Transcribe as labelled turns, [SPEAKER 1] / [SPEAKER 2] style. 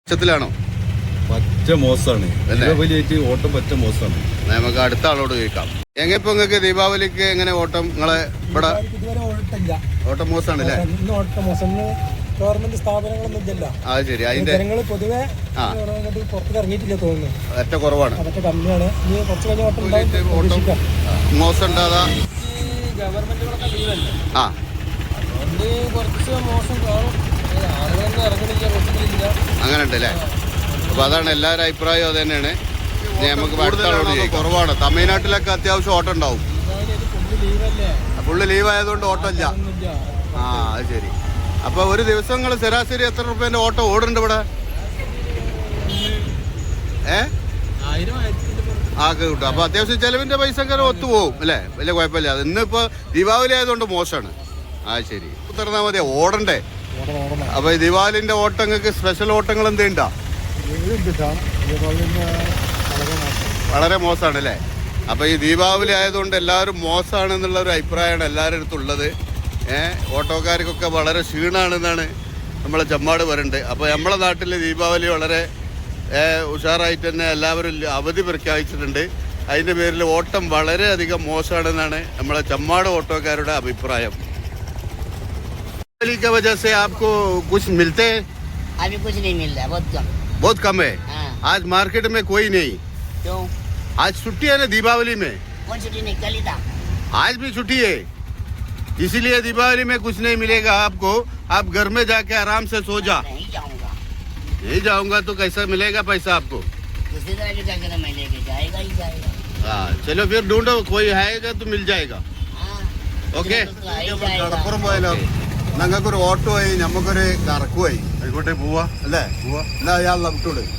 [SPEAKER 1] ാണോ
[SPEAKER 2] പറ്റ മോശമാണ്. ദീപാവലിയായിട്ട് ഓട്ടം പറ്റ മോശമാണ്.
[SPEAKER 1] നമുക്ക് അടുത്ത ആളോട് ചോദിക്കാം. എങ്ങനെയിപ്പോ നിങ്ങൾക്ക് ദീപാവലിക്ക് എങ്ങനെ ഓട്ടം നിങ്ങളെ ഇവിടെ ഓട്ടം മോശമാണ് അല്ലേ?
[SPEAKER 3] ഗവൺമെന്റ് സ്ഥാപനങ്ങളൊന്നും ഇല്ല.
[SPEAKER 1] അത് ശരി. അതിന്റെ
[SPEAKER 3] ജനങ്ങൾ പൊതുവെ പുറത്തേക്ക് ഇറങ്ങിയിട്ടില്ല തോന്നുന്നു.
[SPEAKER 1] ഏറ്റ കുറവാണ്.
[SPEAKER 3] അതൊക്കെ കമ്മിയാണ്. ഇനി കുറച്ച് കഴിഞ്ഞ ഓട്ടം
[SPEAKER 1] മോശം ഉണ്ടാകാ
[SPEAKER 3] ഗവൺമെന്റുകളൊക്കെ ലീവല്ലേ.
[SPEAKER 1] ആ
[SPEAKER 3] അതുകൊണ്ട് കുറച്ച് മോശം കാണും. ആളുകളൊന്നും ഇറങ്ങണില്ല, കുറച്ചില്ല.
[SPEAKER 1] അങ്ങനെ ഉണ്ട് അല്ലേ? അപ്പൊ അതാണ് എല്ലാവരും അഭിപ്രായം. അത് തന്നെയാണ്. നമുക്ക് കുറവാണ്. തമിഴ്നാട്ടിലൊക്കെ അത്യാവശ്യം ഓട്ടം ഉണ്ടാവും. ഫുള്ള് ലീവ് ആയതുകൊണ്ട് ഓട്ടം ഇല്ല. ആ അത് ശരി. അപ്പൊ ഒരു ദിവസങ്ങൾ ശരാശരി എത്ര റുപ്യന്റെ ഓട്ടം ഓടുന്നുണ്ട് ഇവിടെ? ആക്കെ കിട്ടും. അപ്പൊ അത്യാവശ്യം ചെലവിന്റെ പൈസ ഒക്കെ ഒത്തുപോകും അല്ലേ? വലിയ കുഴപ്പമില്ല. അത് ഇന്നിപ്പോ ദീപാവലി ആയതുകൊണ്ട് മോശമാണ്. ആ ശരി. ഉത്തർന്നാ മതിയാ ഓടണ്ടേ? അപ്പൊ ഈ ദീപാവലിന്റെ ഓട്ടങ്ങൾക്ക് സ്പെഷ്യൽ ഓട്ടങ്ങൾ എന്തുണ്ടാ? വളരെ മോശമാണ് അല്ലേ? അപ്പൊ ഈ ദീപാവലി ആയതുകൊണ്ട് എല്ലാവരും മോശമാണ് എന്നുള്ള ഒരു അഭിപ്രായമാണ് എല്ലാവരുടെ അടുത്തുള്ളത്. ഓട്ടോക്കാർക്കൊക്കെ വളരെ ക്ഷീണമാണെന്നാണ് നമ്മളെ ചമ്മാട് പറയുന്നത്. അപ്പോൾ നമ്മളെ നാട്ടിൽ ദീപാവലി വളരെ ഉഷാറായിട്ട് തന്നെ എല്ലാവരും അവധി പ്രഖ്യാപിച്ചിട്ടുണ്ട്. അതിൻ്റെ പേരിൽ ഓട്ടം വളരെയധികം മോശമാണെന്നാണ് നമ്മളെ ചമ്മാട് ഓട്ടോക്കാരുടെ അഭിപ്രായം. दीपावली की वजह से आपको कुछ मिलते हैं?
[SPEAKER 4] अभी कुछ नहीं मिल रहा है, बहुत कम।
[SPEAKER 1] बहुत कम है।
[SPEAKER 4] हाँ।
[SPEAKER 1] आज मार्केट में कोई नहीं?
[SPEAKER 4] क्यों?
[SPEAKER 1] आज छुट्टी है ना दीपावली में?
[SPEAKER 4] कौन छुट्टी नहीं, कल ही था।
[SPEAKER 1] आज भी छुट्टी है, इसीलिए दीपावली में कुछ नहीं मिलेगा आपको. आप घर में जाके आराम से सो जा.
[SPEAKER 4] नहीं जाऊंगा.
[SPEAKER 1] नहीं जाऊंगा तो कैसा मिलेगा पैसा आपको?
[SPEAKER 4] किसी तरह भी जाकर मैं लेके जाएगा ही जाएगा.
[SPEAKER 1] हाँ चलो फिर ढूंढो, कोई आएगा तो मिल जाएगा.
[SPEAKER 4] हाँ.
[SPEAKER 1] ഓക്കെ.
[SPEAKER 3] കടപ്പുറം പോയാലോ? ഞങ്ങൾക്കൊരു ഓട്ടോ ആയി, നമുക്കൊരു കറക്കുമായി. ആയിക്കോട്ടെ, പോവാ അല്ലേ? പോവാ. എന്നാ അയാൾ വിട്ടോളൂ.